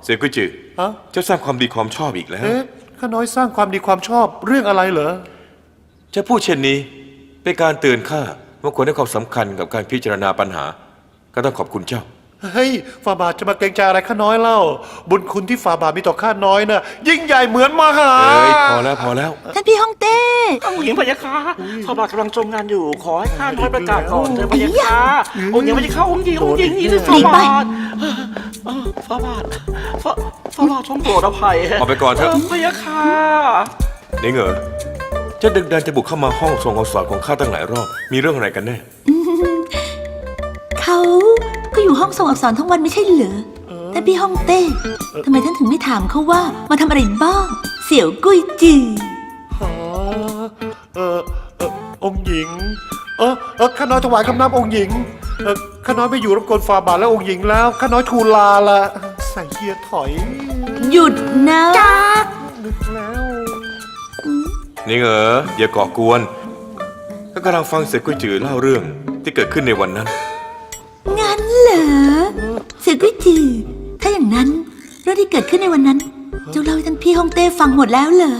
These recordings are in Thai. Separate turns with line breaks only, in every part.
เสี่ยกุยจือเจ้าสร้างความดีความชอบอีกแล้ว
ข้าน้อยสร้างความดีความชอบเรื่องอะไรเหรอ
จะพูดเช่นนี้เป็นการเตือนข้าว่าควรให้ความสำคัญกับการพิจารณาปัญหาก็ต้องขอบคุณเจ้า
เฮ้ยฝ่าบาทจะมาเกรงใจอะไรข้าน้อยเล่าบุญคุณที่ฝ่าบาทมีต่อข้าน้อยน่ะยิ่งใหญ่เหมือนมหา
พอแล้ว
ท่านพี่ฮ่องเต้
องค์หญิงพยาค่ะฝ่าบาทกำลังจมงานอยู่ขอให้ข้าน้อยประกาศก่อนเถอะพยาค่ะองค์หญิงพยาค่ะองค์หญิงนี่คือฝ่าบาทฝ่าบาททรงโปรดอภัย
ออกไปก่อนเถอะ
พยาค่ะ
นี่เหรอจะดึกดันจะบุกเข้ามาห้องทรงอักษรของข้าตั้งหลายรอบมีเรื่องอะไรกันแน่
เขาก็อยู่ห้องส่งอักษรทั้งวันไม่ใช่เหรอแต่พี่ฮ่องเต้ทำไมท่านถึงไม่ถามเขาว่ามาทำอะไรบ้างเสี่ยวกุ้ยจือ
องค์หญิงข้าน้อยถวายคำนับองค์หญิงข้าน้อยไม่อยู่รบกวนฝ่าบาทแล้วองค์หญิงแล้วข้าน้อยทูลลาละใส่เกียร์ถอย
หยุดนะ
จักนึกแล้ว
นี่เหรออย่าก่อกวนก็กำลังฟังเสี่ยกุยจือเล่าเรื่องที่เกิดขึ้นในวันนั้น
งั้นเหรอเสี่ยกุยจือถ้าอย่างนั้นเรื่องที่เกิดขึ้นในวันนั้นเจ้าเล่าให้ท่านพี่ฮ่องเต้ฟังหมดแล้วเหรอ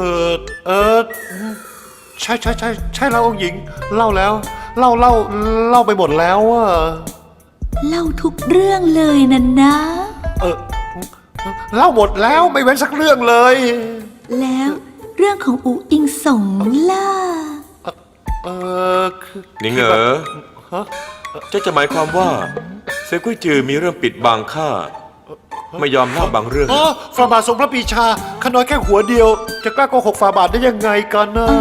ใช่แล้วองค์หญิงเล่าแล้วเล่าไปหมดแล้วอะ
เล่าทุกเรื่องเลยนะ
เล่าหมดแล้วไม่เว้นสักเรื่องเลย
แล้วเรื่องของอูอิงสงล่ะ
นี่เหรอจะหมายความว่าเสี่ยกุยจือมีเรื่องปิดบังข้าไม่ยอมเล่าบางเรื่อง
ฝ่าบาททรงพระปรีชาข้าน้อยแค่หัวเดียวจะกล้าโกหกฝ่าบาทได้ยังไงกันนะ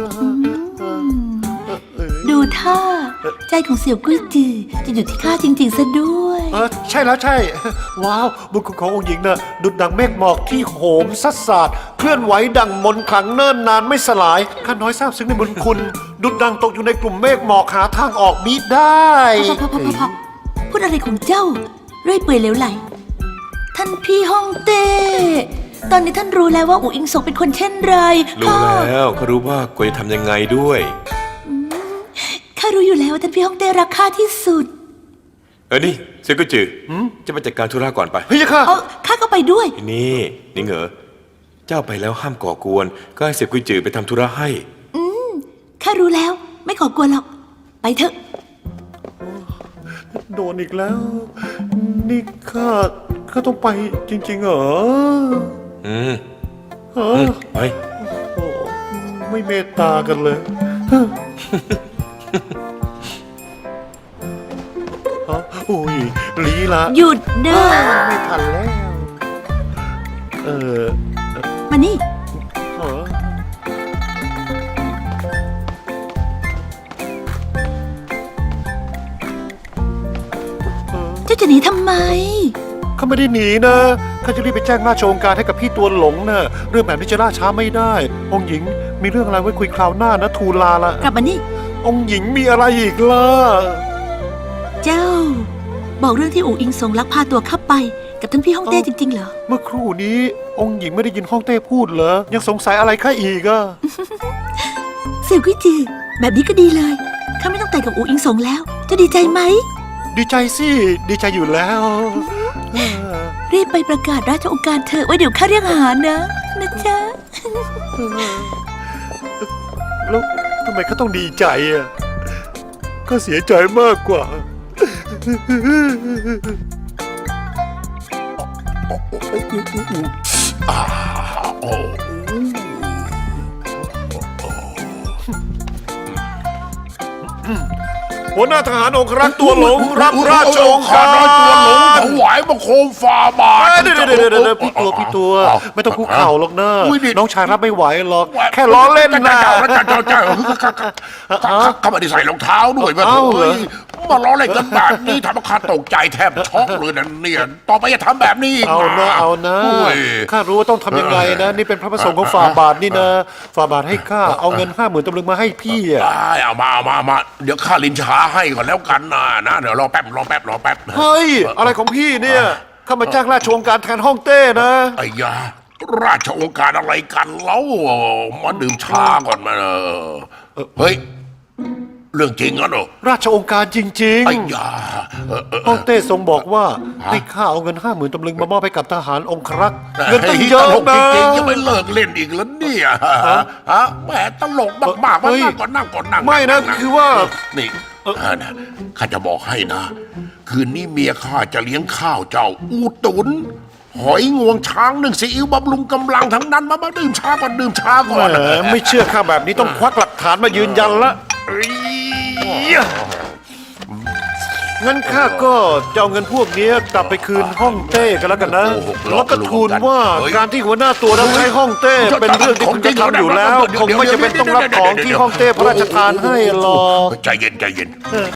ดูท่าใจของเสี่ยวกุ้ยจือจะอยู่ที่ข้าจริงๆซะด้วย
ใช่แล้วใช่ว้าวบุญคุณขององค์หญิงน่ะดุจดังเมฆหมอกที่โหมซัดสาดเคลื่อนไหวดังมนต์ขลังเนิ่นนานไม่สลายข้าน้อยทราบซึ้งในบุญคุณดุจดังตกอยู่ในกลุ่มเมฆหมอกหาทางออกมิได้
พอพูดอะไรของเจ้าเรื่อยเปื่อยเหลวไหลท่านพี่ฮ่องเต้ตอนนี้ท่านรู้แล้วว่าอูอิงสงเป็นคนเช่นไร
รู้แล้วเขารู้ว่าควรจะทำยังไงด้วย
ข้ารู้อยู่แล้วว่าท่านพี่ฮ่องเต้รักข้าที่สุด
นี่เสี่ยกุยจือจะไปจัดการธุระก่อนไป
เฮ้ย
ข้าก็ไปด้วย
นี่เหรอเจ้าไปแล้วห้ามก่อกวนก็ให้เสี่ยกุยจือไปทำธุระให้
ข้ารู้แล้วไม่ขอกวนหรอกไปเถอะ
โดนอีกแล้วนี่ข้าต้องไปจริงๆเหรอ
ไป
ไม่เมตตากันเลยโอ้ยลีละ
หยุดเด้อ
ไม่ทันแล้ว
มานี่เจ้าจะหนีทำไม
ข้าไม่ได้หนีนะข้าจะรีบไปแจ้งราชองค์การให้กับพี่ตัวหลงนะเรื่องแบบนี้จะล่าช้าไม่ได้องค์หญิงมีเรื่องอะไรไว้คุยคราวหน้านะทูลลาละ
กลับมานี่
องค์หญิงมีอะไรอีกล่ะ
เจ้าบอกเรื่องที่อูอิงสงลักพาตัวข้าไปกับท่านพี่ฮ่องเต้จริงๆเหรอ
เมื่อครู่นี้องค์หญิงไม่ได้ยินฮ่องเต้พูดเหรอยังสงสัยอะไรข้าอีกอะ
เสี่ยวกุ้ยจือแบบนี้ก็ดีเลยข้าไม่ต้องแต่งกับอูอิงสงแล้วจะดีใจไหม
ดีใจสิดีใจอยู่แล้ว
รีบไปประกาศราชองค์การเถอะไว้เดี๋ยวข้าเรียกหานะจ๊ะ
แล้วทำไมเขาต้องดีใจอ่ะก็เสียใจมากกว่าหัวหน้าทหารองครักษ์ตัวหลงรับราชองค์การ
ตัวหลงถวายบังคมฝ่าบาท
เดี๋ยวพี่ตัวไม่ต้องคุกเข่าหรอกนะน้องชายรับไม่ไหวหรอกแค่ล้อเล่นนะ
ข้าไม่ได้ใส่รองเท้าด้วยมามาล้อเล่นกันแบบนี้ทำให้ข้าตกใจแทบช็อกเลยนะเนี่ยต่อไปอย่าทำแบบนี้
เอานะข้ารู้ว่าต้องทำยังไงนะนี่เป็นพระประสงค์ของฝ่าบาทนี่นะฝ่าบาทให้ข้าเอาเงิน50,000ตำลึงมาให้พี่อ่ะ
เอามาเดี๋ยวข้าลินช้าให้ก่อนแล้วกันนะเดี๋ยวรอแป๊บ
เฮ้ยอะไรของพี่เนี่ยข้ามาจ้างราชองค์การแทนฮ่องเต้นะ
ไอ้ยาราชองค์การอะไรกันเล่ามาดื่มชาก่อนมาเฮ้ยเรื่องจริงงั้นเหรอ
ราชองค์การจริง
ไอ้ยา
ๆฮ่องเต้ทรงบอกว่าให้ข้าเอาเงิน50,000 ตำลึงมามอบให้กับทหารองครักษ์เงินตั้งเยอะ
ตลก
นะ
จริงๆยังไม่เลิกเล่นอีกแล้วเนี่ยฮะแหมตลกมากๆมา
เฮ้ย
นั่งก่อนนั่ง
ไม่นะคือว่า
นี่นะข้าจะบอกให้นะ คืนนี้เมียข้าจะเลี้ยงข้าวเจ้า อูตุนหอยงวงช้างนึ่งซีอิ๊วบำรุงกำลังทั้งนั้นมาดื่มช้าก่อนดื่มช้าก่อน
แหมไม่เชื่อข้าแบบนี้ต้องควักหลักฐานมายืนยันละงั้นข้าก็จะเอาเงินพวกนี้กลับไปคืนฮ่องเต้กันแล้วกันนะ แล้วก็ทูลว่าการที่หัวหน้าตัวรับใช้ฮ่องเต้เป็นเรื่องที่คุณจะทำอยู่แล้ว คงไม่จำเป็นต้องรับของที่ฮ่องเต้พระราชทานให้หรอก
ใจเย็นใจเย็น